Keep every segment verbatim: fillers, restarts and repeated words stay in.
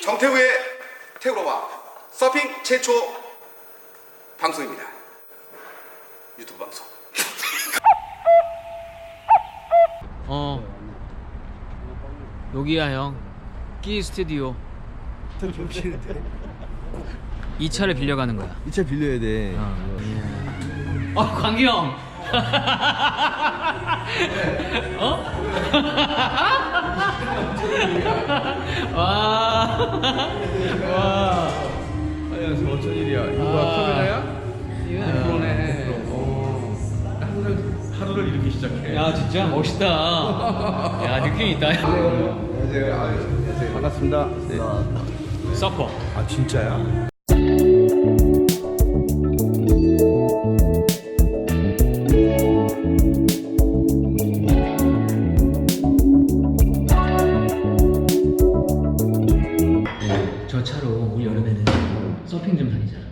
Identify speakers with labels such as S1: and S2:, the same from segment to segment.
S1: 정태우의 태우러와 서핑 최초 방송입니다. 유튜브 방송.
S2: 어 여기야 형. 끼 스튜디오. 이 차를 빌려가는 거야.
S3: 이 차 빌려야 돼.
S2: 어, 어 광기 형. 어? 와. 와.
S3: 안녕하세요. 어쩐 일이야? 이거
S2: 아.
S3: 카메라야?
S2: 이거는
S3: 그러네. 어. 항상 하루를 이렇게 시작해.
S2: 야 진짜 멋있다. 야 느낌 있다.
S3: 안녕하세요. 안녕하세요. 반갑습니다. 네.
S2: 서퍼.
S3: 아 진짜야?
S2: 저 차로 올 여름에는 서핑 좀 다니잖아.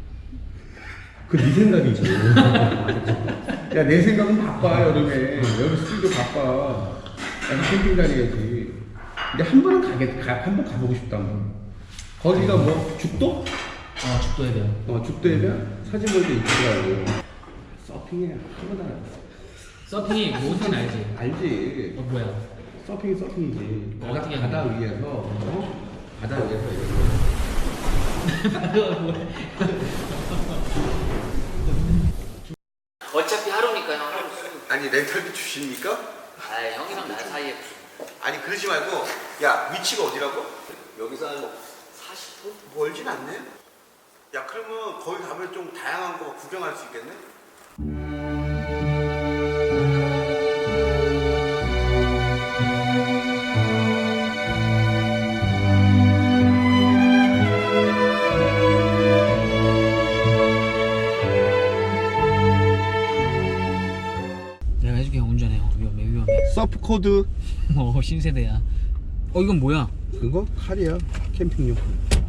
S3: 그 네 생각이지. 야 내 생각은 바빠 여름에. 여기 스튜디오 바빠. 나도 캠핑 다녀야지. 근데 한 번은 가겠, 가, 한 번 가보고 싶다. 뭐. 거기가 뭐 죽도?
S2: 어 죽도 해변.
S3: 어 죽도 해변? 사진 볼때 이쁘더라고. 서핑에 한 번도 안 했어.
S2: 서핑이 뭔지는 알지?
S3: 알지.
S2: 어 뭐야?
S3: 서핑이 서핑이지.
S2: 어,
S3: 바다,
S2: 어떻게
S3: 바다
S2: 하는
S3: 위에서 어? 바다 위에서 이렇게.
S2: 어차피 하루니까 형.
S1: 아니 렌탈비 주십니까?
S2: 아 형이랑 나 사이에
S1: 아니 그러지 말고 야 위치가 어디라고? 여기서 한 사십 분? 멀진 않네? 야 그러면 거기 가면 좀 다양한 거 구경할 수 있겠네?
S2: 내가 해줄게. 형 운전해. 형 위험해 위험해.
S3: 서프 코드.
S2: 어 신세대야. 어 이건 뭐야?
S3: 그거 칼이야. 캠핑용.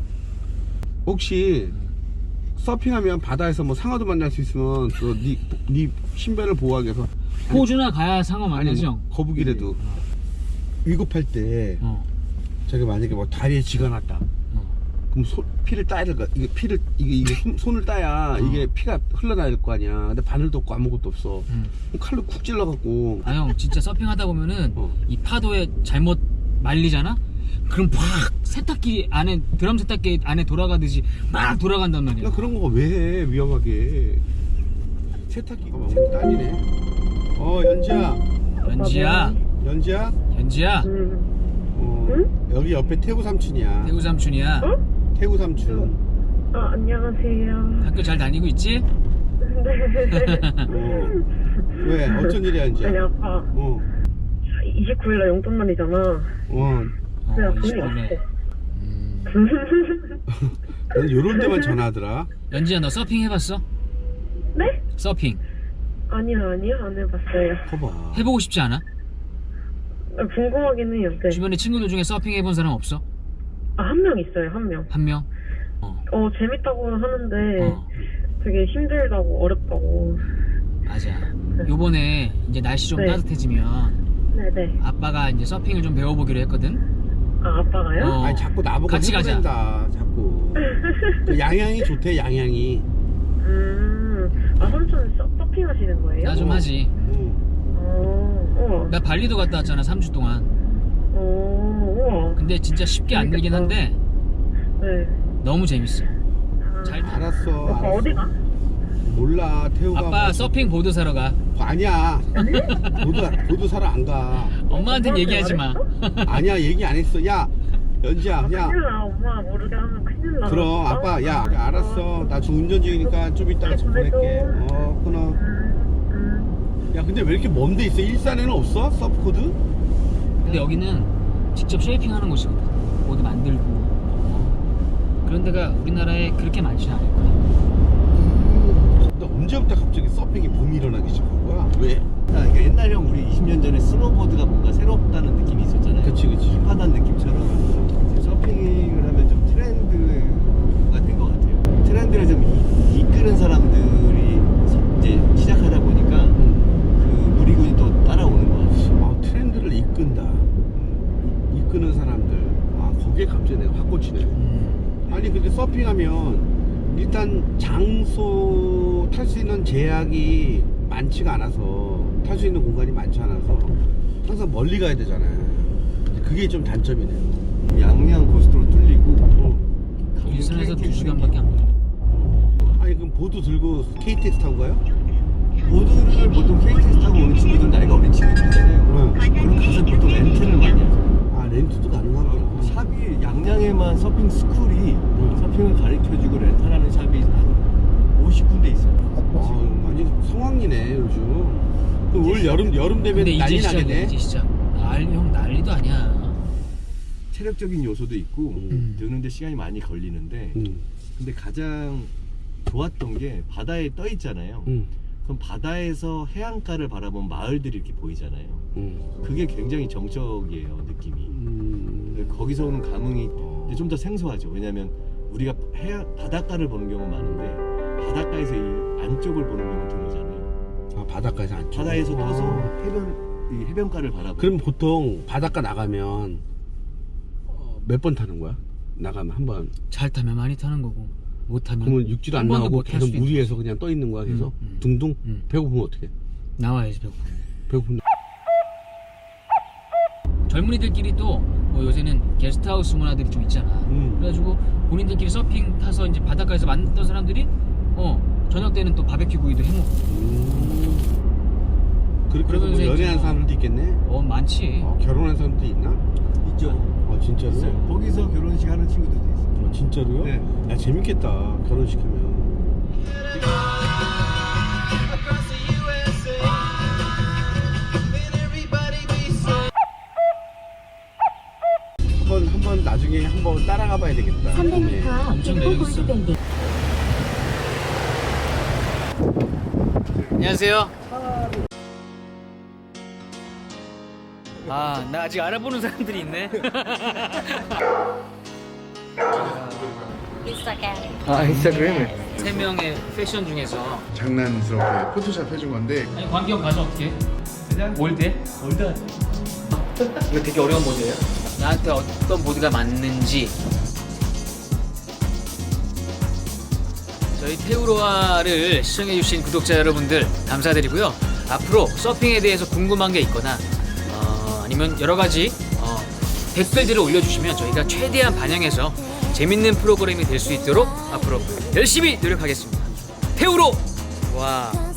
S3: 혹시 서핑하면 바다에서 뭐 상어도 만날 수 있으면 그네 네 신변을 보호하기 위해서
S2: 호주나 가야 상어
S3: 아니
S2: 만나지
S3: 뭐
S2: 형.
S3: 거북이라도 위급할 때
S2: 어.
S3: 저기 만약에 뭐 다리에 쥐가 났다.
S2: 어.
S3: 그럼 소, 피를 따야 될 거. 이게 피를 이게, 이게 손, 손을 따야
S2: 어.
S3: 이게 피가 흘러나올 거 아니야. 근데 바늘도 없고 아무것도 없어.
S2: 음.
S3: 그럼 칼로 쿡 찔러갖고.
S2: 아 형 진짜 서핑하다 보면은
S3: 어.
S2: 이 파도에 잘못 말리잖아? 그럼 팍 세탁기 안에 드럼 세탁기 안에 돌아가듯이 막 돌아간단 말이야.
S3: 야 그런 거 왜 해? 위험하게. 세탁기가 막 세탁 딸리네. 어 연지야.
S2: 연지야,
S3: 연지야.
S2: 연지야.
S3: 어, 여기 옆에 태구 삼촌이야.
S2: 태구 삼촌이야.
S3: 태구 삼촌.
S4: 아, 안녕하세요.
S2: 학교 잘 다니고 있지?
S4: 네.
S3: 어. 왜? 어쩐 일이야 연지야?
S4: 아니, 아빠.
S3: 어.
S4: 이십구 일날 용돈 날이잖아.
S3: 어.
S4: 그래,
S2: 어,
S4: 돈이
S2: 이십구 일에.
S4: 없어.
S2: 음.
S3: 너는 요런 데만 전화하더라.
S2: 연지야 너 서핑 해봤어?
S4: 네?
S2: 서핑
S4: 아니요, 아니요. 안 해봤어요.
S3: 커봐.
S2: 해보고 싶지 않아?
S4: 아, 궁금하긴 해요. 네.
S2: 주변에 친구들 중에 서핑 해본 사람 없어?
S4: 아, 한 명 있어요, 한 명.
S2: 한 명? 어,
S4: 어, 재밌다고 하는데
S2: 어
S4: 되게 힘들다고, 어렵다고.
S2: 맞아. 요번에 이제 날씨 좀
S4: 네.
S2: 따뜻해지면
S4: 네네.
S2: 아빠가 이제 서핑을 좀 배워보기로 했거든?
S4: 아, 아빠가요?
S2: 어.
S3: 아니 자꾸 나보고
S2: 같이 가자.
S3: 해보낸다, 자꾸. 그 양양이 좋대, 양양이.
S4: 음, 아, 삼촌 서, 서핑 하시는 거예요?
S2: 나 좀
S3: 어.
S2: 하지.
S3: 응.
S4: 어, 우와.
S2: 나 발리도 갔다 왔잖아 삼 주 동안.
S4: 어, 우와.
S2: 근데 진짜 쉽게 안 늘긴 한데
S4: 네.
S2: 너무 재밌어.
S4: 아,
S2: 잘 타.
S3: 알았어.
S4: 오빠
S3: 알았어.
S4: 어디 가?
S3: 몰라, 태우가.
S2: 아빠
S3: 뭐-
S2: 서핑 보드 사러 가.
S3: 아니야. 보드, 보드 사러 안 가.
S2: 엄마한텐 얘기하지 마.
S3: 아니야, 얘기 안 했어. 야, 연지야,
S4: 아,
S3: 야.
S4: 큰일 나. 엄마 모르게 하면 큰일 나.
S3: 그럼, 아빠, 야, 야, 알았어. 나 지금 운전 중이니까 좀 이따가 좀 보낼게. 어, 끊어.
S4: 음, 음.
S3: 야, 근데 왜 이렇게 먼 데 있어? 일산에는 없어? 서프코드?
S2: 근데 여기는 직접 쉐이핑 하는 곳이거든. 보드 만들고. 어. 그런 데가 우리나라에 그렇게 많지는 않을 거야.
S3: 너 언제부터 갑자기 서핑이 붐이 일어나기 시작한 거야? 왜?
S5: 그러니까 옛날에 형 우리 이십 년 전에 스노보드가 뭔가 새롭다는 느낌이 있었잖아요.
S3: 그치, 그치.
S5: 힙하다는 느낌처럼 이제 서핑을 하면 좀 트렌드가 된 것 같아요. 트렌드를 좀 이, 이끄는 사람들이 서- 이제 시작하다 보니까 그 놀이군이 또 따라오는 것 같아요.
S3: 아, 트렌드를 이끈다. 이- 이끄는 사람들. 아, 저게 갑자기 내가 확 꽂히네.
S2: 음.
S3: 아니 근데 서핑하면 일단 장소 탈 수 있는 제약이 많지가 않아서 탈 수 있는 공간이 많지 않아서 항상 멀리 가야 되잖아요. 그게 좀 단점이네요.
S5: 양양 고속도로 뚫리고 어,
S2: 일선에서 두
S5: 케이티엑스
S2: 시간밖에 안 걸려.
S3: 아니 그럼 보드 들고 케이티엑스 타고 가요?
S5: 보드를 보통 케이티엑스 타고 오는 친구들 나이가 어린 친구들이잖아요. 그럼 가서 보통 렌트를 많이 하죠.
S3: 아 렌트도 가능하구나.
S5: 샵이 양양에만 서핑 스쿨이 서핑을 가르쳐주고 렌탈하는 샵이 한 오십 군데 있어요.
S3: 아, 많이 성황리네 요즘. 그럼 올 여름 여름 되면
S2: 근데 이제
S3: 난리
S2: 시작이야.
S3: 나겠네.
S2: 이제 시작. 난리 형 난리도 아니야.
S5: 체력적인 요소도 있고
S2: 음.
S5: 드는데 시간이 많이 걸리는데
S3: 음,
S5: 근데 가장 좋았던 게 바다에 떠 있잖아요.
S3: 음,
S5: 그럼 바다에서 해안가를 바라본 마을들이 이렇게 보이잖아요.
S3: 음,
S5: 그게 굉장히 정적이에요, 느낌이.
S3: 음.
S5: 거기서 오는 감흥이 좀 더 생소하죠. 왜냐면 우리가 해안 바닷가를 보는 경우는 많은데 바닷가에서 이 안쪽을 보는 경우는 드물잖아요.
S3: 아 바닷가에서 안 찍어.
S5: 바다에서 떠서
S3: 아.
S5: 해변 이 해변가를 바라보고.
S3: 그럼 보통 바닷가 나가면 몇 번 타는 거야? 나가면 한 번.
S2: 잘 타면 많이 타는 거고 못 타면
S3: 그러면 육지도 안
S2: 한 번도
S3: 나오고
S2: 못탈
S3: 계속
S2: 수도 있는
S3: 물 위에서
S2: 거지.
S3: 그냥 떠 있는 거야 계속.
S2: 음, 음.
S3: 둥둥.
S2: 음.
S3: 배고프면 어떻게?
S2: 나와야지 배고프면.
S3: 배고프면.
S2: 젊은이들끼리 또 뭐 요새는 게스트하우스 문화들이 좀 있잖아.
S3: 음.
S2: 그래가지고 본인들끼리 서핑 타서 이제 바닷가에서 만났던 사람들이 어 저녁 때는 또 바베큐 구이도 해먹고.
S3: 음. 그렇게 해서 뭐
S2: 그러면서
S3: 연애한
S2: 이제
S3: 사람들도 있겠네.
S2: 어 많지.
S3: 어, 결혼한 사람도 있나?
S5: 있죠.
S3: 아 진짜로?
S5: 있어요. 거기서 결혼식 하는 친구들도 있어요.
S3: 아, 진짜로요?
S5: 네.
S3: 야 재밌겠다 결혼식 하면. 한번 한번 나중에 한번 따라가 봐야 되겠다.
S6: 삼백 미터
S3: 네.
S2: 엄청
S6: 빙고
S2: 내리고 있어.
S6: 골드밴드.
S2: 안녕하세요. 아, 나 아직 알아보는 사람들이 있네.
S5: 아 인스타그램을.
S2: 세 명의 패션 중에서
S7: 장난스럽게 포토샵 해준 건데
S2: 아니 광경 가서 어떻게? 그냥 올드? 올드. 이거 되게 어려운 보드예요? 나한테 어떤 보드가 맞는지. 저희 테우로아를 시청해주신 구독자 여러분들 감사드리고요. 앞으로 서핑에 대해서 궁금한 게 있거나 어, 아니면 여러 가지 어, 댓글들을 올려주시면 저희가 최대한 반영해서 재밌는 프로그램이 될 수 있도록 앞으로 열심히 노력하겠습니다. 테우로 와.